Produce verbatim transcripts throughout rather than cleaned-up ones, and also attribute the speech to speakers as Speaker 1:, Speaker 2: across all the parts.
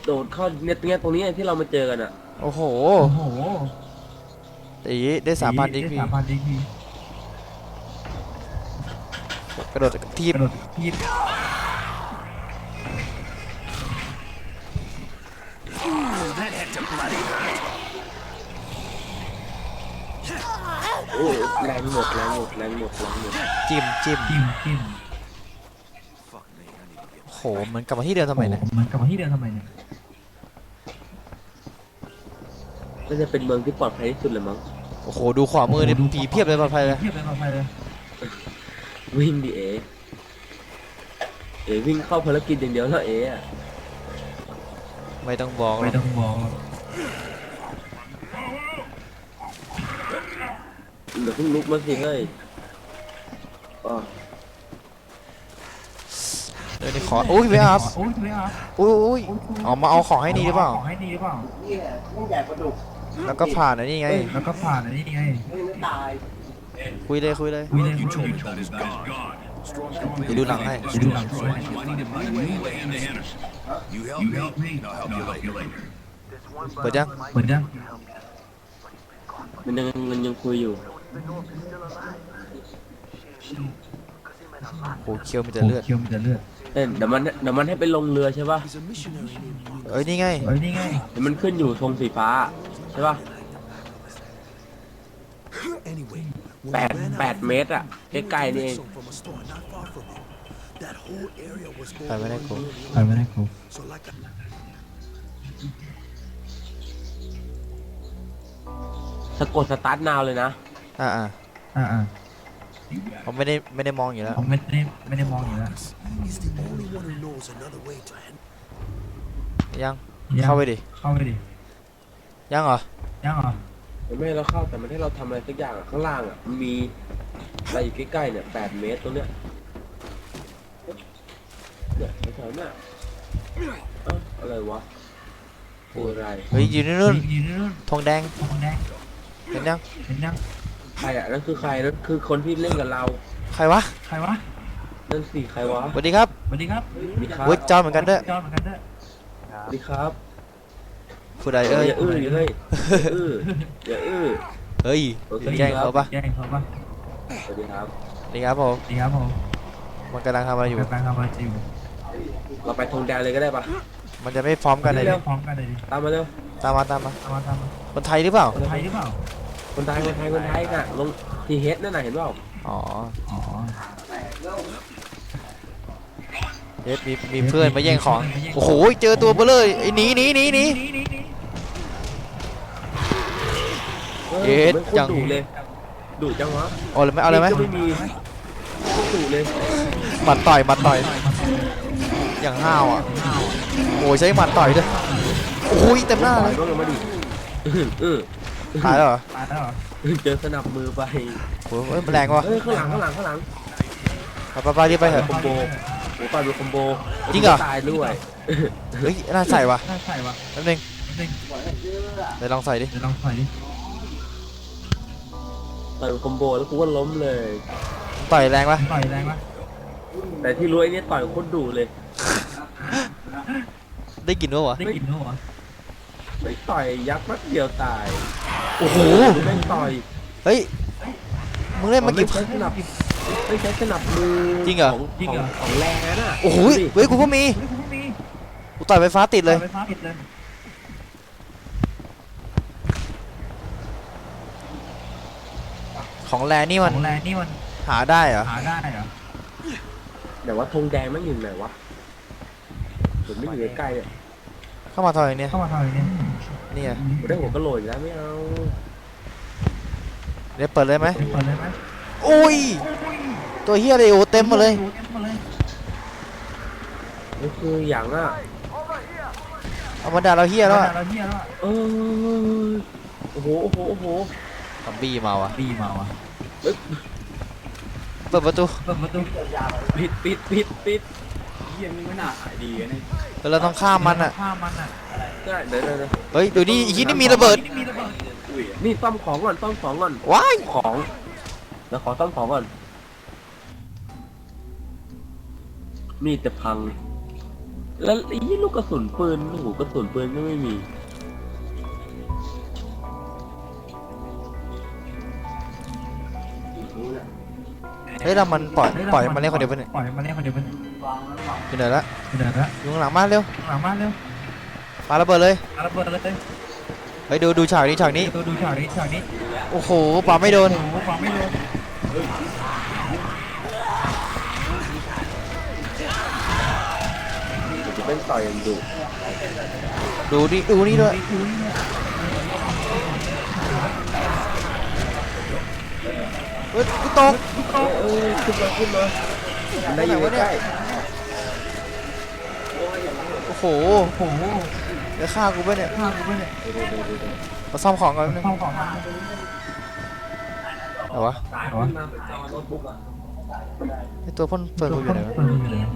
Speaker 1: โดดเข้าเนี่ยตรงเนี้ยตรงนี้ที่เรามาเจอกันอ่ะ
Speaker 2: โอ้โห
Speaker 3: โอ้โห
Speaker 2: ตีได้สามพันดีพี
Speaker 3: ได้สามพันดีพี
Speaker 2: กระโดดทีบ
Speaker 3: กระโดดทีบ
Speaker 1: โอ้แรงหมดแรงหมดแรงหมดแรงหมด
Speaker 2: จิ้มจิ้ม
Speaker 3: จิ้มจิ้ม
Speaker 2: โหเหมือนกลับมาที่เดิมทำไมเนี่ย
Speaker 3: มันกลับมาที่เดิมทำไมเนี่ย
Speaker 1: ก็จะเป็นเมืองที่ปลอดภัยที่สุดเลยมั้ง
Speaker 2: โอ้โหดูขวามือเนี่ยผีเพียบเลยปลอดภัยเลย
Speaker 3: เพียบเลยปลอดภัยเลย
Speaker 1: วิ่งดิเอเอวิ่งเข้าภารกิจอย่างเดียวแล้วเออะ
Speaker 2: ไม่ต้องบอก
Speaker 3: ไม่ต้องบอก
Speaker 1: เดี๋ยวเพิ่งลุกมาสิเฮ้ย
Speaker 2: เดี๋ยวนี้ขออุ้ยเวียบ
Speaker 3: โอ้ยเวียบ
Speaker 2: อุ้ยอุ้ยออกมาเอาของให้นี่หรือเปล่า
Speaker 3: ของให้นี่หรือเปล่า
Speaker 2: แล้วก็ผ่านอันนี้ไง
Speaker 3: แล้วก็ผ่านอันนี้ไง
Speaker 2: คุยเลยคุยเลย
Speaker 3: คุยเลยคุย
Speaker 2: เดี๋ยวดูหนังให้
Speaker 3: ดูหนังด้วย
Speaker 2: เปิดยัง
Speaker 3: เปิดยัง
Speaker 1: มันยังมันยังคุยอยู่
Speaker 2: โอ้เคี้ยวมีแต่เลือด
Speaker 3: เคี้ยวมีแต่เลือด
Speaker 1: เเดี๋ยวมันเดี๋ยวมันให้ไปลงเรือใช่ป่ะ
Speaker 2: เอ้ยนี่ไง
Speaker 3: เอ้ยนี่ไง
Speaker 1: เดี๋ยวมันขึ้นอยู่ธงสีฟ้าใช่ป่ะแปดแปดเมตรอ่ะใกล้ๆนี่เอง
Speaker 2: ไปไม่ได้กู
Speaker 3: ไปไม่ได้กู
Speaker 1: สะกดสตาร์ทนาวเลยนะ
Speaker 2: อ่าอ่า
Speaker 3: อ่าอ่า
Speaker 2: ผมไม่ได้ไม่ได้มองอยู่แล้ว
Speaker 3: ผมไม่ได้ไม่ได้มองอยู่แล้ว
Speaker 2: ยังเข้าไปดิ
Speaker 3: เข้าไปดิ
Speaker 2: ยังเหรอ
Speaker 3: ยังเหรอ
Speaker 1: ไม่ให้เราเข้าแต่มันให้เราทำอะไรสักอย่างอ่ะข้างล่างอ่ะมันมีอะไรอยู่ใกล้ๆเนี่ยแปดเมตรตรงเนี้ยเนี่ยแถวๆเนี่ยอะไรวะคืออะไร
Speaker 2: เฮ้ยอยู่นู่นธงแดง
Speaker 3: ธงแดง
Speaker 2: เห็นยัง
Speaker 3: เห็นยัง
Speaker 1: ใครอ่ะนั่นคือใครนั่นคือคนที่เล่นกับเรา
Speaker 2: ใครวะ
Speaker 3: ใครวะ
Speaker 1: นั่นสิใครวะ
Speaker 2: สวัสดีครับ
Speaker 3: สวัสดีครับ
Speaker 1: มีครับ
Speaker 2: เฮ้ยจอนเหมือนกันด้วย
Speaker 3: จอนเหมือนกันด้วย
Speaker 1: สวัสดีครับ
Speaker 2: ผู้ใดเอ้ย
Speaker 1: อย่าอื้อเฮ้ยอื้ออย่าอื้อ
Speaker 2: เฮ้ยแย่งเขาปะ
Speaker 3: แย่งเขาปะ
Speaker 1: สวัสดีครับ
Speaker 2: สวัสดีครับผม
Speaker 3: สวัสดีครับผม
Speaker 2: มันกำลังทำอะไรอยู่
Speaker 3: กำลังทำอะไรอยู่
Speaker 1: เราไปธงแดงเลยก็ได้ปะ
Speaker 2: มันจะไม่พร้อมกันเลย
Speaker 3: พร้อมกันเลยดิ
Speaker 1: ตามมาเร็ว
Speaker 2: ตามมาตามมา
Speaker 3: ตามมาตามมา
Speaker 2: คนไทยหรือเปล่า
Speaker 3: คนไทยหรือเปล่า
Speaker 1: คนไทยคนไทยคนไทยน่ะลงทีเฮดนั่นน่ะเห็นเปล่า
Speaker 2: อ๋อ
Speaker 3: อ๋อ
Speaker 2: เฮดมีมีเพื่อนมาแย่งของโอ้โหเจอตัวเบลเลยไอ้หนีหนีหนีหนีเฮด
Speaker 1: จังดุเลยดุจังวะ
Speaker 2: เอาเลยไหมเอาเลยไหม
Speaker 1: ไม่มีดุเลย
Speaker 2: หมัดต่อยหมัดต่อยอย่างห้าวอ่ะโอ้ยใช้หมัดต่อยด้วยโอ้ยเต็มหน้าเลยตายแล้วเหรอ
Speaker 3: ตายแล้วเหรอ
Speaker 1: เจอสนับมือไป
Speaker 2: โอ้ยแรงวะ
Speaker 1: เฮ้ยข้างหลังข้างหลังข้างหลัง
Speaker 2: ไปไปไปรีบไปเถอะ
Speaker 1: คอมโบโอ้ปาดูคอมโบ
Speaker 2: จริงเหรอ
Speaker 1: ตายด้วย
Speaker 2: เฮ้ยน่าใส่วะ
Speaker 3: น่าใส่วะ
Speaker 2: แป๊บนึงเดี๋ยวลองใส่ดิ
Speaker 3: เดี๋ยวลองใส่ดิ
Speaker 1: ต่อยคอมโบแล้วกูก็ล้มเลย
Speaker 2: ต่อยแรงปะ
Speaker 3: ต่อยแรงปะ
Speaker 1: แต่ที่รู้ไอ้นี่ต่อยโคตรดุเลย
Speaker 2: ได้กลิ่นวะวะ
Speaker 3: ได้กลิ่นวะ
Speaker 1: ไม่ต่อยยักษ์นัดเดียวตาย
Speaker 2: โอ้โห
Speaker 1: ไม่ต่อย
Speaker 2: เฮ้ยมึงเล่นมากี่
Speaker 1: ใช้สนับไม่ใช้สนับมือ
Speaker 2: จริงเหรอ
Speaker 1: จริงเหรอของแรงน่ะ
Speaker 2: โอ้โหเฮ้ยกูก็มีกูต่อยไฟฟ้าติดเลย
Speaker 3: ไฟฟ้าติดเลย
Speaker 2: ของแรงนี่มัน
Speaker 3: ของแรงนี่มัน
Speaker 2: หาได้เหรอ
Speaker 3: หาได้เหรอ
Speaker 1: แต่ว่าธงแดงมันอยู่ไหนวะผมไม่อยู่ใกล้ๆเนี่ย
Speaker 2: เข้ามาทอยเนี่ย
Speaker 3: เข้ามาทอยเนี่ย
Speaker 2: นี่ไง
Speaker 1: กูได้หัวกระโหลกแล้วไม่เอา
Speaker 2: เดี๋ยวเปิดเลยไหม
Speaker 3: เปิดเลยไหม
Speaker 2: อุ้ยตัวเฮียเลยโอเต็มมาเลย
Speaker 1: นี่คืออย่างอ่ะ
Speaker 2: เอามาด่าเราเฮียแล้ว
Speaker 1: เออโอ้โหโอ้โหโอ้โห
Speaker 2: ทำบี้มาวะ
Speaker 3: บี้มาวะ
Speaker 2: เปิดประตู
Speaker 3: เปิดประตู
Speaker 1: ปิดปิดปิดปิด
Speaker 3: ยังไม่น่าหายดีนะ
Speaker 2: เราต้องข้ามมันอ่ะ
Speaker 3: ข้ามมันอ่ะ
Speaker 1: ได้เดี๋ยวเดี๋ยว
Speaker 2: เฮ้ยดูนี่อีกนี่มีระเบิด
Speaker 1: นี่ซ่อมของก่อนซ่อมของก่อน
Speaker 2: ว้าย
Speaker 1: ของเดี๋ยวขอซ่อมของก่อนมีแต่พังแล้วไอ้ยี่ลูกกระสุนปืนโอ้โหกระสุนปืนก็ไม่มี
Speaker 2: เฮ้ยเรามันปล่อยปล่อยมันเล่นคนเดียวไปเนี่ย
Speaker 3: ปล่อยมันเล่นคนเดียวไปเนี่ย
Speaker 2: อยู่ไหนละ
Speaker 3: เดี๋ยวละ
Speaker 2: อยู่ข้างหลังบ้านเร็ว
Speaker 3: หลังบ้านเร็ว
Speaker 2: ปาระเบิดเลย
Speaker 3: เอาระเบิดเลย
Speaker 2: เฮ้ยดูดูฉากนี้ฉากนี้
Speaker 3: ตัวดูฉากนี้ฉากนี้
Speaker 2: โอ้โหปาไม่โดน
Speaker 3: โอ้โหฟังไม่โดน
Speaker 1: จะเป็นต่อยอย่างดุ
Speaker 2: ดูนี่ดูนี่ด้วยเฮ้ยกูตก
Speaker 1: เออขึ้นมาขึ้นมาได้อยู่ใกล้
Speaker 2: โอ้โห
Speaker 3: โอ้โห
Speaker 2: เดี๋ยวฆ่ากูไปเนี่ย
Speaker 3: ข้าวกูไปเนี่ย
Speaker 2: มาซ่อมของก่อนนึง
Speaker 3: ข้าวของมัน
Speaker 2: เอาวะ
Speaker 3: เหรอ
Speaker 2: ไอตัวพ่นเฟิร์นกูอยู่ไหนวะ
Speaker 3: เปิดอยู่ไหน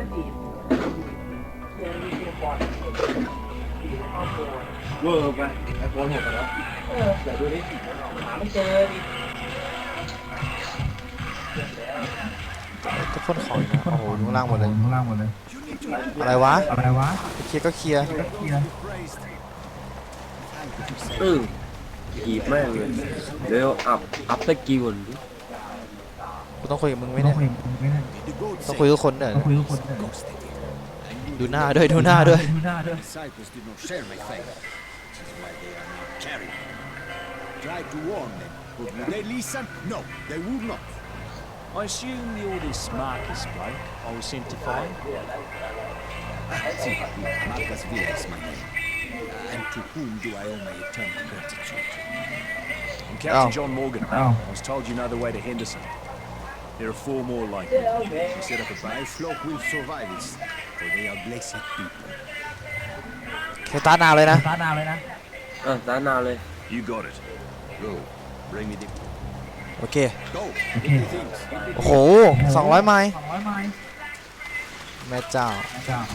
Speaker 1: เวอร์ไปไอโฟนหกแล้วเดี๋ยวดูดิหาไม่เจอดิ
Speaker 2: ตัวพ่นของอยู่นะโอ้โหอยู่ข้างล่างหมดเลย
Speaker 3: ข้างล่างหมดเลย
Speaker 2: อะไรวะ
Speaker 3: อะไรวะ
Speaker 2: เคลียร์ก็เคลียร์
Speaker 3: เคลียร์
Speaker 1: อือกีบแม่งเลยเดี๋ยวอัพอัพสกิลก่อนดิ
Speaker 2: กูต้องคุยกับมึงไหม
Speaker 3: ต้อ
Speaker 2: เนี่
Speaker 3: ง
Speaker 2: ย
Speaker 3: คุยไม่ได้
Speaker 2: ต้องคุยกับคนเนี่ย
Speaker 3: ต้องคุยทุกคนเลย
Speaker 2: ดูหน้าด้วยดูหน้าด้วย
Speaker 3: ดูหน้าด้วย
Speaker 4: Disciples did not share my faith. This is why they are not carried. Tried to warn them, but would they listen? No, they would not.
Speaker 5: I assume you're this Marcus bloke I was sent to find.
Speaker 4: See, Marcus Villa is my name. Uh, and to whom do I owe my eternal gratitude?
Speaker 5: I'm Captain
Speaker 2: Oh.
Speaker 5: John Morgan.
Speaker 3: Oh.
Speaker 5: I was told you know the way to Henderson. There are four more like me. We set up a
Speaker 4: My
Speaker 5: base.
Speaker 4: flock will survive this, for they are blessed people.
Speaker 2: เคตาร์นาวเลยนะ
Speaker 3: ตาดาวเลยนะ
Speaker 1: อ่ะด้านหน้าเลย
Speaker 5: You got it.
Speaker 4: Go, bring me the...
Speaker 2: โอเค
Speaker 4: Go,
Speaker 3: โอเค
Speaker 4: get the things.
Speaker 2: โอ้โหสองร้อยไมล์
Speaker 3: สองร้อยไมล์
Speaker 2: แม่เจ้า
Speaker 3: จ้า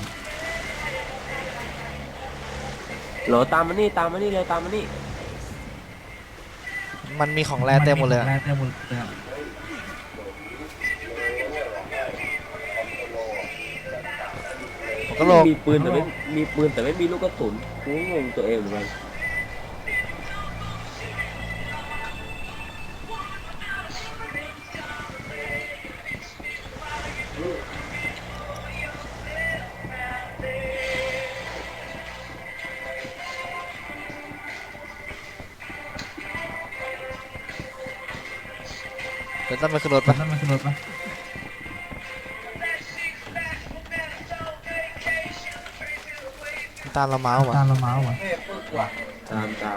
Speaker 1: เหรอตามมานี่ตามมานี่เลยตามมานี่
Speaker 2: มันมีของแร่เต็มหมดเลยอะ
Speaker 3: แร่เต็มหมดเลยอะ
Speaker 2: ผมก็โลก
Speaker 1: มีปืนแต่ไม่มีปืนแต่ไม่มีลูกกระสุนกูก็งงตัวเองเหมือนกัน
Speaker 2: เดี๋ยวต้องไปขึ้นรถ
Speaker 3: มั
Speaker 2: ปะ
Speaker 3: นมันขึ้นรถปะ
Speaker 2: ตามเรามาเอาวะ
Speaker 3: ตามเรามาเอาวะ
Speaker 1: ตามตาม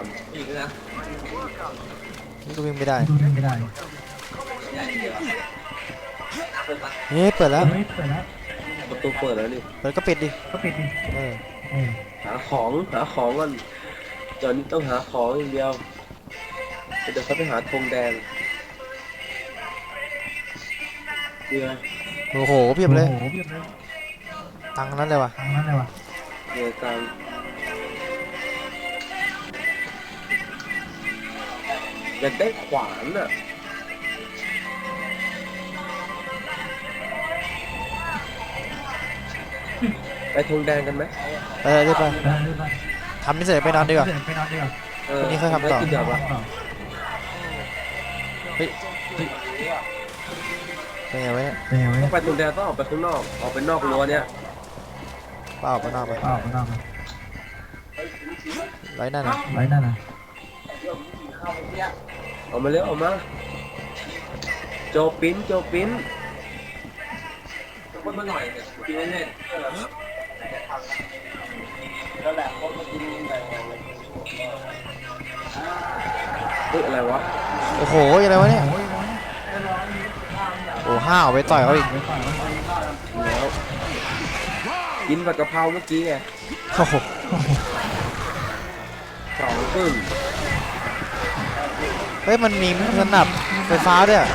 Speaker 2: นี่ก็วิ่งไม่ได้
Speaker 3: ดูได้ไม่ได้
Speaker 2: เฮ้ยเปิดแล้ว
Speaker 3: เฮ้ยเปิดแล้ว
Speaker 1: ประตูเปิดแล้วนี่
Speaker 2: เปิดก็ปิดดิ
Speaker 3: ก็ปิดดิ
Speaker 2: เออ
Speaker 3: เออ
Speaker 1: หาของหาของก่อนตอนนี้ต้องหาของอย่างเดียวเดี๋ยวเขาไปหาธงแดงเรือ
Speaker 2: โอ้โหเพียบเลย
Speaker 3: โอ้โหเพียบเลย
Speaker 2: ตังค์นั้นเลยวะ
Speaker 3: ทางนั้นเลยวะ
Speaker 1: เรือกลางอยากได้ขวานอ่ะไปธงแดงกันไหม
Speaker 2: ไปเลยรีบไป
Speaker 3: ไปเลยไป
Speaker 2: ทำนี่เสร็จไปนอนดีกว่า
Speaker 3: เดี๋ยวไปนอนดีกว่า
Speaker 1: เออ
Speaker 2: วันนี้ค่อยทำต่อ
Speaker 1: ไม่กินเดี๋ยววะ
Speaker 2: เฮ้ยเป็นไงวะเนี่ย
Speaker 3: เป็นไงวะ
Speaker 1: ต้
Speaker 3: เนี่
Speaker 1: อย งไปธงแดงต้องออกไปข้างนอกออกไปนอกรั้วเนี่ย
Speaker 2: เปล่าไปนอกไป
Speaker 3: อ้าวไปนอนไป
Speaker 2: ไว้นั่นนะ
Speaker 3: ไว้นั่นน่ะ
Speaker 1: ออกมาเร็วออกมาโจปิ้นโจปิ้นคนมาหน่อยเนี่ยกินเล่นแล้วแหละคนมากินแบบเฮ้ยอะไรวะ
Speaker 2: โอ้โหอะไรวะเนี่ยโอ้ห้าวไปต่อยเขาอีก
Speaker 1: แล้วกินผัดกะเพราเมื่อกี้ไง
Speaker 2: โอ้โห
Speaker 1: สองครึ่ง
Speaker 2: เฮ้ยมันมีสนับไฟฟ้าด้วยอะ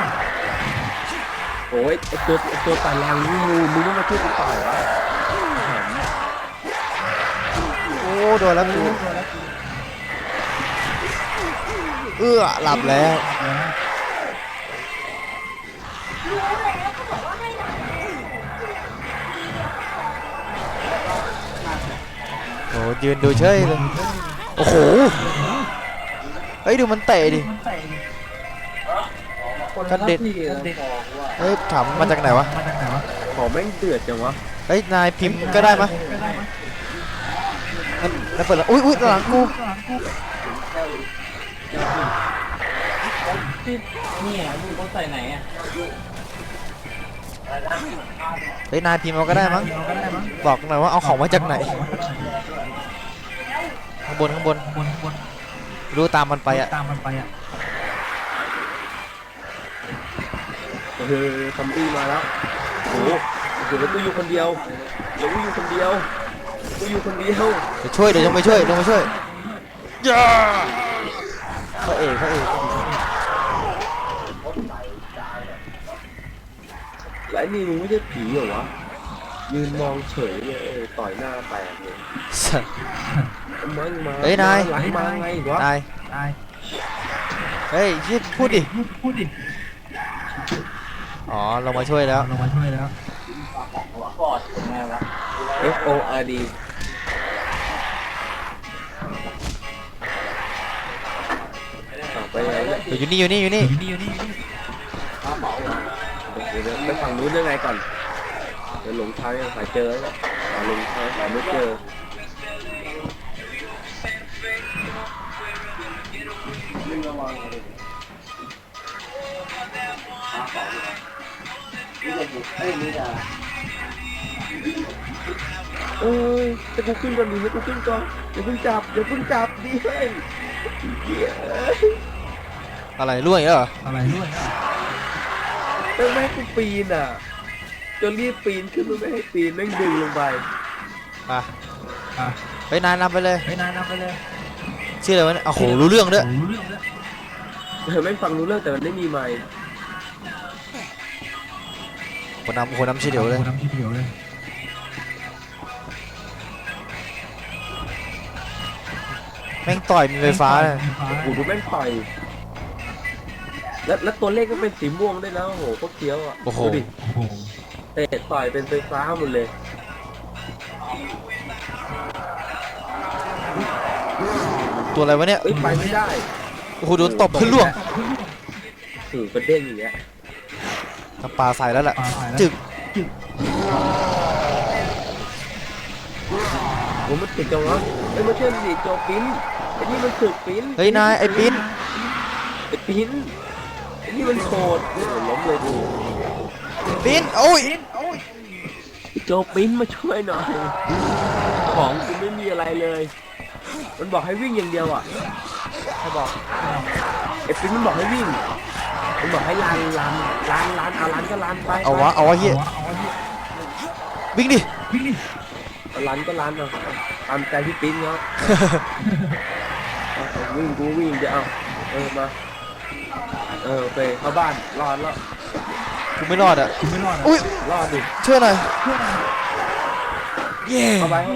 Speaker 1: โอ้ยไอตัวไอตัวต่อยแรงนี่มึงมึงไม่มาช่วยกูต่อยวะ
Speaker 2: โอ้โดนแล้วกูเอื้อหลับแล้วยืนดูเฉยเลยโอ้โหเฮ้ยดูมันเตะดิกระเด็นเฮ้ยถามมาจากไหนวะ
Speaker 3: มาจากไหนวะ
Speaker 1: ของแม่งเดือดจังวะ
Speaker 2: เฮ้ยนายพิมพ์ก็ได้มะแล้วเปิดแล้วอุ้ยอุ้ยหลังกู
Speaker 6: นี่อ่ะมึงต้องใส่ไหนอ่ะ
Speaker 2: เฮ้ยนายพิมพ์มาก็ได้มั้ง
Speaker 3: เราก็ได้มั้ง
Speaker 2: บอกหน่อยว่าเอาของมาจากไหนข้างบนข้างบน
Speaker 3: บนบน
Speaker 2: รู้ตามมันไปอะ
Speaker 3: ตามมันไปอ่ะ
Speaker 1: เออซอมบี้มาแล้วโอ้โหเดี๋ยวกูอยู่คนเดียวเดี๋ยวกูอยู่คนเดียวกูอยู่คนเดียว
Speaker 2: เดี๋ยวช่วยเดี๋ยวลงไปช่วยลงไปช่วยย่าพระเอกพระเอก
Speaker 1: และไอ้นี่มึงไม่ใช่ผีเหรอวะยืนมองเฉยเลยเออต่อยหน้าแตกเลย
Speaker 2: สัส
Speaker 1: มึงมา
Speaker 2: เฮ้ยนาย
Speaker 1: หลังมาไงวะ
Speaker 2: นาย
Speaker 3: ตาย
Speaker 2: เฮ้ยยืดพูดดิ
Speaker 3: พูดพูดดิ
Speaker 2: อ๋อลงมาช่วยแล้ว
Speaker 3: เรามาช่วยแล้ว
Speaker 6: กอดยังไงวะ
Speaker 1: F O R D ต่อไปไหนเนี่ย
Speaker 2: เดี๋ยวอยู่นี่อยู่นี่อยู่นี่
Speaker 3: อยู่นี่อยู่นี่อยู่นี่
Speaker 1: เดี๋ยวเดี๋ยวไปฝั่งนู้นยังไงก่อนเดี๋ยวหลงทางยังหาเจอแล้วเนี่ยหาหลงทางหาไม่เจอเอ้ยจะกูขึ้นก่อนดิให้กูขึ้นก่อนอย่าเพิ่งจับอย่าเพิ่งจับดิเฮ้ยเหี้ย
Speaker 2: อะไรล่วงอีกแล้วเหรอ
Speaker 3: อะไรด้วยอ่ะ
Speaker 1: ต้องไม่ให้กูปีนอ่ะจะรีบปีนขึ้นมาไม่ให้ปีนแม่งดึงลงไป
Speaker 2: อ่ะ
Speaker 3: อ่ะ
Speaker 2: ไปนายนำไปเลย
Speaker 3: ไปนายนำไปเลย
Speaker 2: ชื่ออะไรวะเนี่ยโอ้โหรู้เรื่องด้วย
Speaker 3: โอ้รู้เรื่องด้วย
Speaker 1: เออแม่งฟังรู้เรื่องแต่มันไม่มีไมค์
Speaker 2: คนนำคนนำชื่อเดียวเลย
Speaker 3: โอ้น้ำที่เดียวเลย
Speaker 2: แม่งต่อยมีไฟฟ้าเลย
Speaker 1: โอ้โหดูแม่งต่อยแล้วแล้วตัวเลขก็เป็นสีม่วงด้วยนะโอ้โหโคตรเคี้ยวอ่ะ
Speaker 2: โอ้โห
Speaker 1: ดูดิ
Speaker 3: โอ้โห
Speaker 1: เตะต่อยเป็นไฟฟ้าหมดเลย
Speaker 2: ตัวอะไรวะเนี่ย
Speaker 1: เอ้ยไปไม่ได้
Speaker 2: โอ้โหโดนตบขึ้นล่วง
Speaker 1: ถือประเด้งอย่างเงี้ย
Speaker 2: น้ำปลาใส่แล้วแหละ
Speaker 3: ปลาใส่แล้ว
Speaker 2: จึก
Speaker 1: โอ้มันติดจังวะเอ้ยมาเชื่อมดิโจปิ้นไอ้นี่มันถึกปิ้น
Speaker 2: เฮ้ยนายไอ้ปิ้น
Speaker 1: ไอ้ปิ้นไอ้นี่มันโคตรโอ้โหล้มเลยดู
Speaker 2: ปิ้นโอ้ย
Speaker 1: โจปิ้นมาช่วยหน่อยของกูไม่มีอะไรเลย มันบอกให้วิ่งอย่างเดียวอ่ะ
Speaker 2: ให้บอก
Speaker 1: ไอ้ปิ้นมันบอกให้วิ่งมันบอกให้ลันลันลันลันเอาลันก็ลันไป
Speaker 2: เอาวะเอาวะเฮีย
Speaker 3: เอาวะเหี้ย
Speaker 2: วิ่งดิ
Speaker 3: วิ่งดิ
Speaker 1: เอาลันก็ลันเอาตามใจพี่ปิ้นเขาเอาเอาวิ่งกูวิ่งเดี๋ยวเอาเออมาเออโอเคเข้าบ้านรอดแล้ว
Speaker 2: กูไม่รอดอ่ะ
Speaker 3: คุณไม่รอดอ่ะ
Speaker 2: อุ้ย
Speaker 1: รอดดิ
Speaker 2: ช่วยหน่อยเย้
Speaker 1: เข้าไปเข้าไป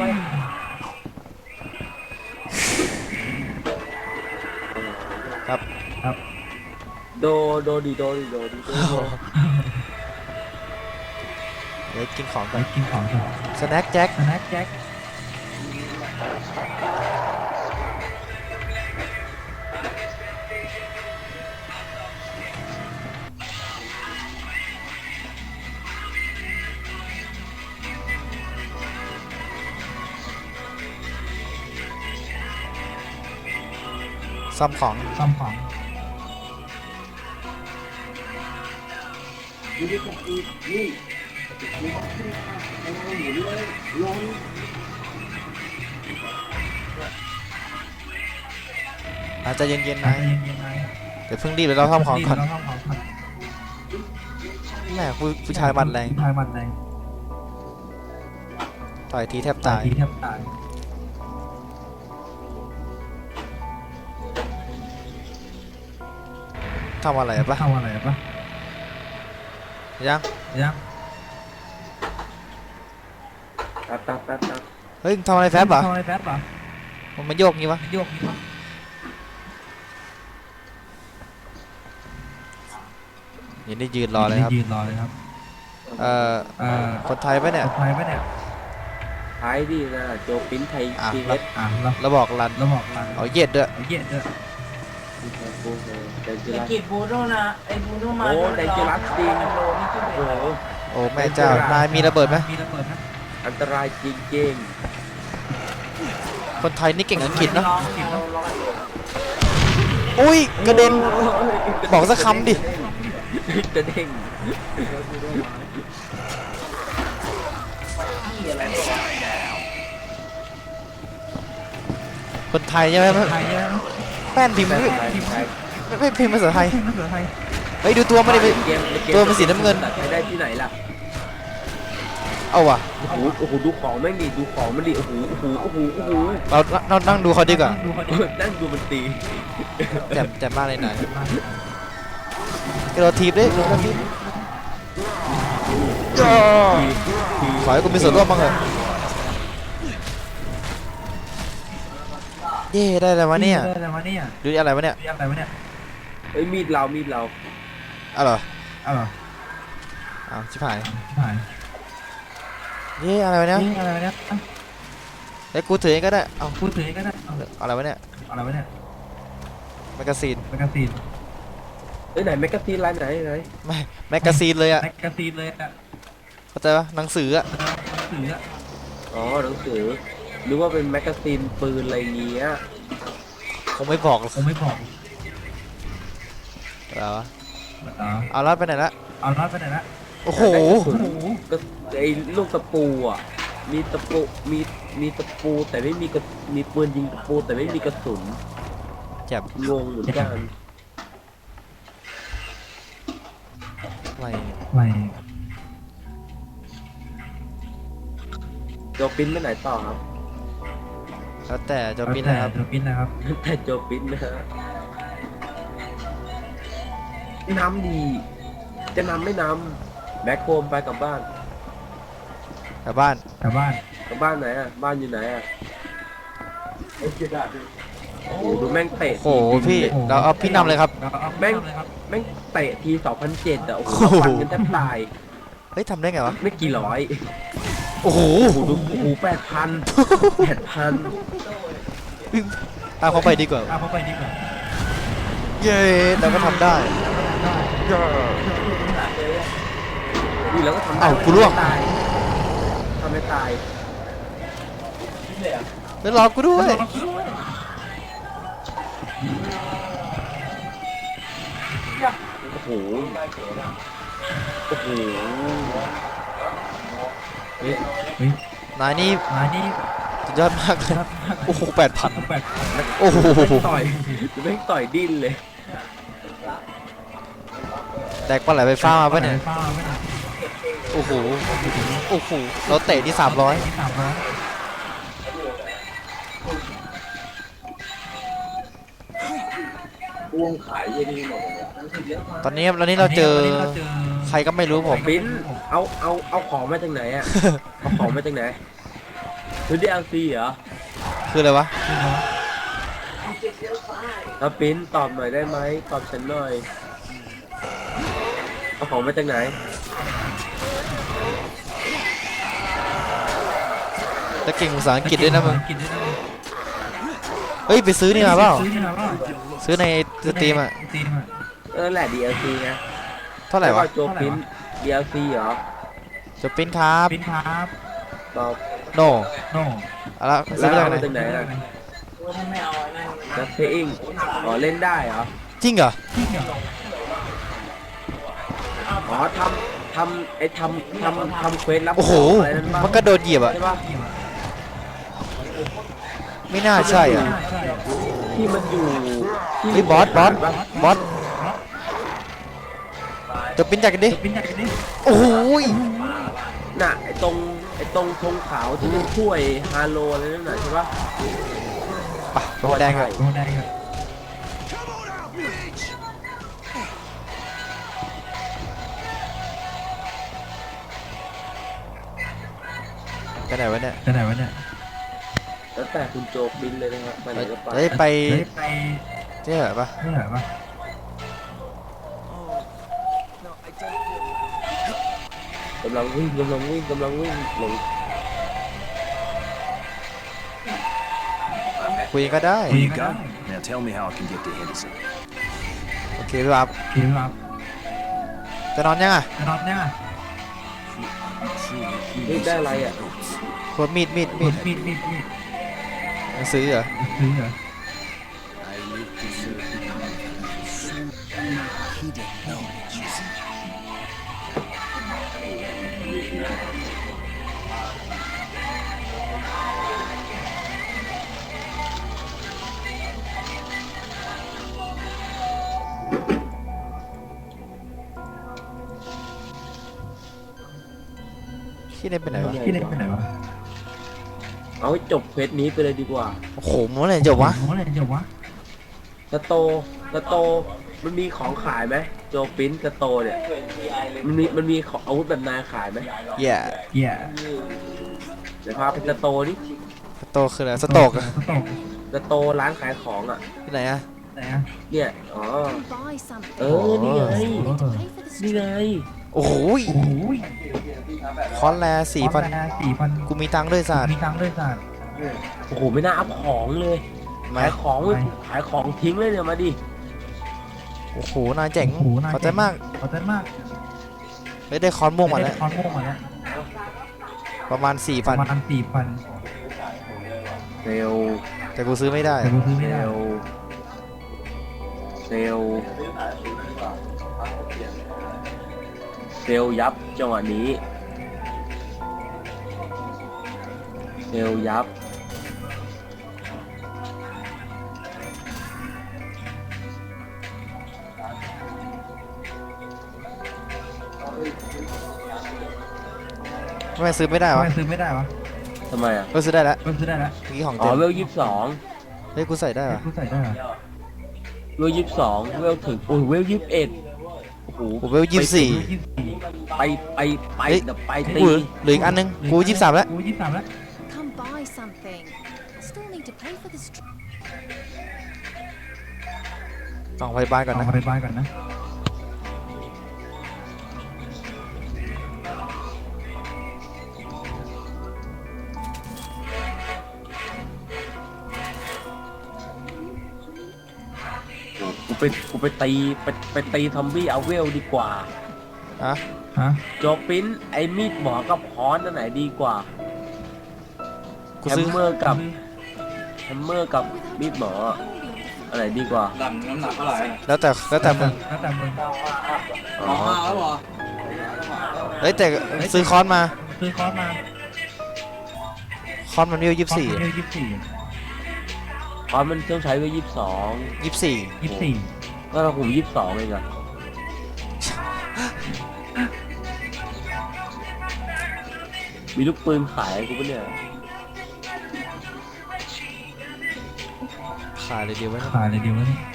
Speaker 2: ครับ
Speaker 3: ครับ
Speaker 1: โดโดดีโดดีโดดีโดโด
Speaker 2: เดี๋ยวกินของ
Speaker 3: ไป
Speaker 2: ก่อน
Speaker 3: กินของก่อน
Speaker 2: สแน็คแจ็ค
Speaker 3: สแน็คแจ็ค
Speaker 2: ซ่อมของ
Speaker 3: ซ่อมของ
Speaker 2: อาจจะเย็นๆ
Speaker 3: ใจ
Speaker 2: นะ
Speaker 3: เย็นๆนาย
Speaker 2: เดี๋ยวเพิ่งรีบเดี๋ยวเราซ่อมของก่อน
Speaker 3: เราซ่อมของก่อน
Speaker 2: แม่ผู้ผู้ชายมันแรง
Speaker 3: ผู้ชายมันแรง
Speaker 2: ต่อยทีแทบตาย
Speaker 3: ทีแทบตาย
Speaker 2: ทำอะไรปะ
Speaker 3: เข้าอะไรปะ
Speaker 2: ยัง
Speaker 3: ยัง
Speaker 1: ตัดตัดตัดตัด
Speaker 2: เฮ้ยมึงทำอะไรแฟบเหรอ
Speaker 3: ทำอะไรแฟบเหรอ
Speaker 2: มันมาโยกงี้วะ
Speaker 3: โยกนี่วะ
Speaker 2: ยินดียืนรอเลยครับ
Speaker 3: ยืนรอเลยครับ
Speaker 2: เอ่อ
Speaker 3: เอ่อ
Speaker 2: คนไทยปะเนี่ย
Speaker 3: คนไทยปะเนี่ย
Speaker 1: ไทท้ายดินะโจปิ้นไทย
Speaker 2: อ่ะ
Speaker 1: ที
Speaker 2: แล้
Speaker 1: เอ
Speaker 2: ว
Speaker 1: ส
Speaker 3: อ่ะเรา
Speaker 2: แล้วบอกรัน
Speaker 3: เราบอกมัน
Speaker 2: เอาเย็ดด้วย
Speaker 3: เอาเย็ดด้วย
Speaker 1: แดนเจ
Speaker 6: ไอ้
Speaker 1: ลัส
Speaker 6: กิจบูโน่นะไอ้บูโน่มา
Speaker 1: โอ้แดนเจลัสจริง
Speaker 6: โลนี่ขึ้นไป
Speaker 1: โอ้โห
Speaker 2: โอ้แม่เจ้านายมีระเบิดไหม
Speaker 3: มีระเบิดไหม
Speaker 1: อันตรายจริง
Speaker 2: คนไทยนี่เก่งอังกฤษเนาะ
Speaker 6: ลองเอาลอง
Speaker 2: อุ้ย
Speaker 1: ๆ
Speaker 2: กระเด็น
Speaker 1: โ
Speaker 2: บอกสักคำดิ
Speaker 1: กระเด้ง
Speaker 6: ที่อะไรไม่รู้
Speaker 2: คนไทยใช่ไหม
Speaker 3: ไทยเยอะ
Speaker 2: แป้นพิมพ์
Speaker 1: แต่
Speaker 2: ไม่
Speaker 1: ไทยไทย
Speaker 2: ไม่ไม่พิมพ์ภาษาไทย
Speaker 3: ภาษาไทย
Speaker 2: เฮ้ยดูตัวมันดิไป
Speaker 1: เกมเก
Speaker 2: ตัวมันสีน้ำเงิน
Speaker 1: ตัดไปได้ที่ไหนล่ะ
Speaker 2: เอาว่ะ
Speaker 1: โอ้โหโอ้โหดูของแม่งดิดูของมันดิโอ้โหโอ้โหโอ้โหโอ้โห
Speaker 2: เราเรานั่งดูเขาดีกว่า
Speaker 3: ดูเขาดิ
Speaker 1: นั่งดูมันตี
Speaker 2: แจ่มแจ่มมากเลยนายกระโดดทีบดิกระโดดทีบย่อขอให้กูมีส่วนร่วมบ้างเถอะเย่ได้แล้ววะเนี่ย
Speaker 3: ได้อะไรวะเนี่ย
Speaker 2: ดูดิอะไรวะเนี่ย
Speaker 3: เรียกอะไรวะเนี่ย
Speaker 1: เอ้ยมีดเรามีดเรา
Speaker 2: เอาเหรอ
Speaker 3: เอาเหรอ
Speaker 2: เอาชิบหาย
Speaker 3: หาย
Speaker 2: เย่อะไรวะเนี่ย
Speaker 3: นี่อะไรวะเนี่ย
Speaker 2: ไอ้ยกูถือเองก็ได้เอา
Speaker 3: พูดถึงก็ได้เอา
Speaker 2: อะไรวะเนี่ย
Speaker 3: อะไรวะเนี่ย
Speaker 2: แมกกาซีน
Speaker 3: แมกกาซีน
Speaker 1: เอ้ยไหนแมกกาซีนร้านไหนไหน
Speaker 2: ไม่แมกกาซีนเลยอะ
Speaker 3: แมกกาซีนเลยอะ
Speaker 2: เข้าใจปะหนังสืออะ
Speaker 3: ถืออะ
Speaker 1: อ๋อหนังสือหรือว่าเป็นแมกกาซีนปืนอะไรเงี้ย
Speaker 2: คงไม่บอกหรอก
Speaker 3: ผมไม่บอก
Speaker 2: อะไรวะ
Speaker 3: อ๋อ
Speaker 2: เอาแล้วไปไหนละ
Speaker 3: เอาน็อตไปไหนละ
Speaker 2: โอ้โห
Speaker 1: ได้กระสุนก็ไอ้ลูกตะปูอ่ะมีตะปูมีมีตะปูแต่ไม่มีกระมีปืนยิงตะปูแต่ไม่มีกระสุน
Speaker 2: แจ่ม
Speaker 1: งงเหมือนกัน
Speaker 2: อะไร
Speaker 3: ไม่
Speaker 1: โจปิ้นไปไหนต่อครับ
Speaker 2: แล้วแต่จะบินนะครับ
Speaker 3: จะบินนะครับ
Speaker 1: แต่โจปิ้นนะฮะน้ำดีจะนำไม่นำแบ็คโฮมไปกลับบ้าน
Speaker 2: กลับบ้าน
Speaker 3: กลับบ้าน
Speaker 1: กลับบ้านไหนอ่ะบ้านอยู่ไหนอ่ะโอ้โหดูแม่งเตะ
Speaker 2: โอ้โหพี่เราเอาพี่นำเลยครับ
Speaker 3: เราเอา
Speaker 1: แม่ง
Speaker 3: เลยครับ
Speaker 1: แม่งเตะทีสองพันเจ็ดอ่ะโอ้โห
Speaker 2: โอ้โห
Speaker 1: ฟันกันแทบตาย
Speaker 2: เฮ้ยทำได้ไงวะ
Speaker 1: ไม่กี่ร้อย
Speaker 2: โอ้โห
Speaker 1: โอ้โหดูโอ้โหแปดพันแปดพัน
Speaker 2: ตามเขาไปดีกว่า
Speaker 3: เอาเข้าไปดีกว่า
Speaker 2: เย้เราก็ทำได้
Speaker 1: นี่แล้วก็ทำได้
Speaker 2: เอ้ากูร่วง
Speaker 1: ทำไม่ตายทำไม่ตาย
Speaker 2: แล้วรอกูด้วย
Speaker 1: โอ้โหโอ้โหเฮ้ย
Speaker 3: เฮ้ย
Speaker 2: นายนี่
Speaker 3: มานี่
Speaker 2: สุดยอดมากเลย โอ้โหแปดพัน
Speaker 3: แปดพัน
Speaker 2: โอ้โห
Speaker 1: ต่อยแม่งต่อยดิ้นเลย
Speaker 2: แตกปลาไหลไฟฟ้ามาปะเนี่ย
Speaker 3: ฟ้าไม่ได้
Speaker 2: โอ้โห โอ้โห เราเตะที่สามร้อย
Speaker 3: สามร้อย
Speaker 2: ตอนนี้ตอนนี้เราเจอ
Speaker 3: วันนี้เราเจอ
Speaker 2: ใครก็ไม่รู้ผม
Speaker 1: ปิ้นเอาเอาเอาของมาจากไหนอ่ะ เอาของมาจากไหนซื้อดีเอลซีเหรอ
Speaker 2: คืออะไรวะ
Speaker 1: เอาปิ้นตอบหน่อยได้ไหมตอบฉันหน่อยเอาของมาจากไหน
Speaker 2: จะเก่งภาษาอังกฤษด้วยนะมึง
Speaker 3: อังกฤษด้วยนะมึง
Speaker 2: เฮ้ย ไปซื้อนี่มาเปล่า
Speaker 3: ซื้อนี่มาเปล่า
Speaker 2: ซื้อในสตรีมอะ
Speaker 3: สตรีมอะ
Speaker 1: เออแหละ ดี แอล ซี นะ
Speaker 2: เท่าไหร่วะ
Speaker 1: โจปิ้น ดี แอล ซี เหรอ
Speaker 2: จะปิ้นครับ
Speaker 3: ปิ้นครับ
Speaker 1: ตอบ
Speaker 2: โน
Speaker 3: โน่
Speaker 2: เอาละซื้อมาจากไหน
Speaker 1: แล้วเอามาจากไหนอะ
Speaker 6: ถ้าไม่เอาไอ้นั่น
Speaker 1: นักเพลงอ๋อเล่นได้เหรอ
Speaker 2: จริงเหรอ
Speaker 1: อ๋อทำทำไอ้ทำทำทำเควสรับ
Speaker 2: โอ้โห
Speaker 1: ของอะไรนั่นปะ
Speaker 2: มันกระโดดเหยียบอะ
Speaker 1: ใช่ปะ
Speaker 2: ไม่น่าใช่อ่ะ
Speaker 3: ใช่
Speaker 1: ที่มันอยู่ที่
Speaker 2: เฮ้ยบอสบอส
Speaker 1: ปะ
Speaker 2: บอสจะปิ้นจากกันดิ
Speaker 3: ปิ้นใหญ่กันดิ
Speaker 2: โอ้โหย
Speaker 1: น่ะไอ้ตรงไอ้ตรงธงขาวที่เป็นถ้วยฮาโลอะไรนั่นน่ะใช่ปะ
Speaker 2: ปะโดนแดงอะ
Speaker 3: โดนได้ครับ
Speaker 2: ไปไหนวะเนี่ย
Speaker 3: ไปไหนวะเนี่ย
Speaker 1: แล้วแต่คุณโจบินเลยนะครับไปไหนก็ไป
Speaker 2: เฮ้ยไป
Speaker 3: เฮ้ยไป
Speaker 2: เจ๊เหรอปะ
Speaker 3: เมื่อไหร่วะ
Speaker 1: กำลังวิ่งกำลังวิ่งกำลังวิ่งหลง
Speaker 2: คุยก็ได้
Speaker 3: คุย
Speaker 5: Here you
Speaker 3: ก็
Speaker 5: go.
Speaker 3: ได้
Speaker 5: Now tell me how I can get to Henderson.
Speaker 2: โอเคพี่ครับ
Speaker 3: คุยครับ
Speaker 2: จะนอนยังอ่ะ
Speaker 3: จะนอนเนี่ย
Speaker 1: นี่ได้อะไรอ่ะ
Speaker 2: พวกมีดมีดมีด
Speaker 3: มีดมีดมีด
Speaker 2: หนังสือเหรอ
Speaker 3: ซื้อเหรอ
Speaker 4: I live to serve the community. So hidden knowledge is in
Speaker 2: ที่ได้ไปไหนวะ
Speaker 3: พี่เล็กไปไหนวะ
Speaker 1: เอาให้จบเควสนี้ไปเลยดีกว่า
Speaker 2: โอ้โหมันเมื่อไหร่จบวะ
Speaker 3: โอ้โหอะไรจบวะ
Speaker 1: สโตสโตมันมีของขายไหมโจปิ้นสโตเนี่ยมันมีมันมีของอาวุธแบบนายขายไหม
Speaker 2: แย่
Speaker 3: เหี้ย
Speaker 1: เดี๋ยวพาไปสโตดิ
Speaker 2: สโตกคืออะไรสโตกอะ
Speaker 3: สตก
Speaker 1: สโตร้านขายของอ่ะ
Speaker 2: ที่ไหนอะ
Speaker 3: ไหนอะ
Speaker 1: เนี่ยอ๋อ
Speaker 7: Buy something.
Speaker 1: เออนี่ไง
Speaker 7: Need to pay for the
Speaker 1: นี่ไง
Speaker 2: โอ้โห
Speaker 3: โอ้โห
Speaker 2: คอนแลสี่พัน
Speaker 3: สี่พัน
Speaker 2: กูมีตังค์ด้วยสัตว์
Speaker 3: มีตังค์ด้วยสัตว์
Speaker 1: โอ้โหไม่น่าอัพของเลย
Speaker 2: มา
Speaker 1: ขายของเว้ยขายของทิ้งเลยเนี่ยมาดิ
Speaker 2: โอ้โหนายเจ๋ง
Speaker 3: โอ้โหนาย
Speaker 2: ขอบใจมาก
Speaker 3: ขอบใจมาก
Speaker 2: เฮ้ยได้คอนม่วงมาแล้ว
Speaker 3: ได้คอนม่วงมาแล้ว
Speaker 2: ประมาณสี่
Speaker 3: ป
Speaker 2: พัน
Speaker 3: ระมาณสี่พัน
Speaker 1: เซล
Speaker 2: แต่กูซื้อไม่ได้
Speaker 3: แต่กูซื้อไม่
Speaker 1: เซ
Speaker 3: ได้
Speaker 1: ลเซลเซลยับจังหวะนี้เซลยับ
Speaker 2: ทำไมซื้อไม่ได้
Speaker 3: ทำ
Speaker 2: วะ
Speaker 3: ไมซื้อไม่ได้วะ
Speaker 1: ทำไมอ่ะ
Speaker 2: เออซื้อได้แล้ว
Speaker 3: เพิ่มซื้อได้แล้ว
Speaker 2: เมื่อกี้ของ
Speaker 1: อ๋อ
Speaker 2: เต็ม
Speaker 1: เวลยี่สิบสอง
Speaker 2: เฮ้ยกูใส่ได้เหรอ
Speaker 3: กูใส่ได้เหรอ
Speaker 1: เวลยี่สิบสองเวลถึงโอ้ยเวลยี่สิบเอ็ดโอ้โห
Speaker 2: กูเวลยี่สิบสี่
Speaker 3: ยี่สิบสี่
Speaker 1: ไปไปไป
Speaker 2: เฮ้ย
Speaker 1: เดี๋ยวไป
Speaker 2: กู
Speaker 1: ตี
Speaker 2: เหลืออีกอันนึงกูยี่สิบสามแล้ว
Speaker 3: กูยี่สิบสามแล้ว
Speaker 7: Come buy something. I still need to pay for this. Tr-
Speaker 2: กล่องพยาบาลก่อน
Speaker 3: เอา
Speaker 2: นะ
Speaker 3: ไปบ้านก่อนนะ
Speaker 1: กูไปกูไปตีไปไปตีทอมบี้เอาเวลดีกว่า
Speaker 2: อะ
Speaker 3: ฮะ
Speaker 1: โจปิ้นไอ้มีดหมอกับค้อนอันไหนดีกว่า
Speaker 2: กู
Speaker 1: แฮ
Speaker 2: ซื้อ
Speaker 1: มเมอร์กับแฮมเมอร์กับมีดหมออันไหนดีกว่า
Speaker 2: แล้วแต่แล้วแต่มึง
Speaker 3: แล้วแต่มึง
Speaker 1: อ๋อ
Speaker 2: เฮ้ยแต่ซื้อคอนมา
Speaker 3: ซื้อคอร์สมา
Speaker 2: คอนมันเวลยี่สิบสี่
Speaker 3: คอร์สยี่สิบสี่
Speaker 1: ค้อนมันต้องใช้เวลยี่สิบสอง
Speaker 2: ยี่สิบสี่
Speaker 3: ยี่สิบสี่
Speaker 1: ก็เราผมยี่สิบสองเองอะมีลูกปืนขายกูปะเนี่ย
Speaker 2: ขายเลยเดียวไว้นะ
Speaker 3: ขายเลยดีวะนี่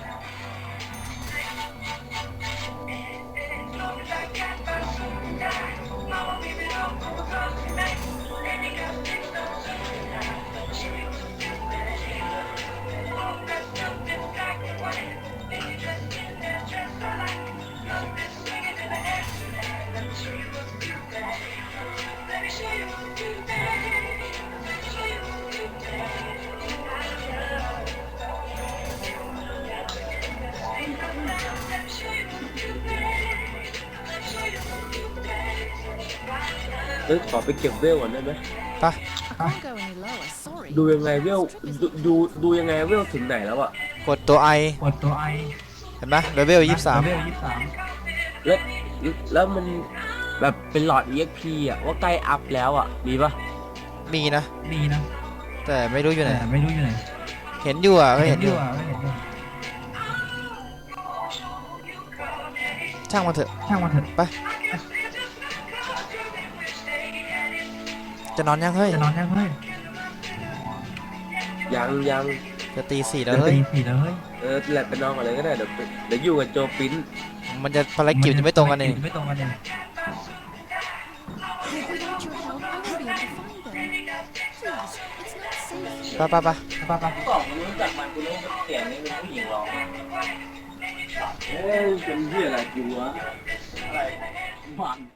Speaker 1: เอ้ยขอไปเก็บเวลก่อนได้ไหม
Speaker 2: ปะ
Speaker 7: I can't go any lower. Sorry.
Speaker 1: ดูยังไงเวลดูดูดูยังไงเวลถึงไหนแล้วอะ
Speaker 2: กดตัวไอก
Speaker 3: ดตัวไอ
Speaker 2: เห็นไหมเลเวลยี่สิบสาม
Speaker 3: เลเวลยี่สิบสาม
Speaker 1: แล้วแล้วมันแบบเป็นหลอด อี เอ็กซ์ พี อะว่าใกล้อัพแล้วอะมีปะ
Speaker 2: มีนะ
Speaker 3: มีนะ
Speaker 2: แต่ไม่รู้อยู่ไหน
Speaker 3: แต่ไม่รู้อยู่ไหน
Speaker 2: เห็นอยู่อ่ะก็เห็นอยู่
Speaker 3: อ่ะไม่เห็นอยู่
Speaker 2: ช่างมันเถอะ
Speaker 3: ช่างมันเถอะ
Speaker 2: ไปจะนอนยังเฮ้ย
Speaker 3: จะนอนยังเฮ้ย
Speaker 1: ยังยัง
Speaker 2: จะตีสี่แล้
Speaker 3: จะ
Speaker 2: วเฮ้ย
Speaker 3: ตีสี่แล้วเฮ้ย
Speaker 1: เออแหละไปนอนก่อนเลยก็ได้เดี๋ยวไปเดี๋ยวอยู่กับโจปิ้น
Speaker 2: มันจะภารกิจจะไม่ตรงกันเอง
Speaker 3: ไม่ตรงกันเอง
Speaker 7: Without your help, I won't be able to find them. Please, it's not safe.
Speaker 2: ไปไปไป
Speaker 3: ไป้าป้า
Speaker 6: บอกมันรู้จักมันกูรู้ว่าเสียงนี้เป็นผู้หญิงร้องเอ้ยเป็นที่อะไรกูวะอะไรมัน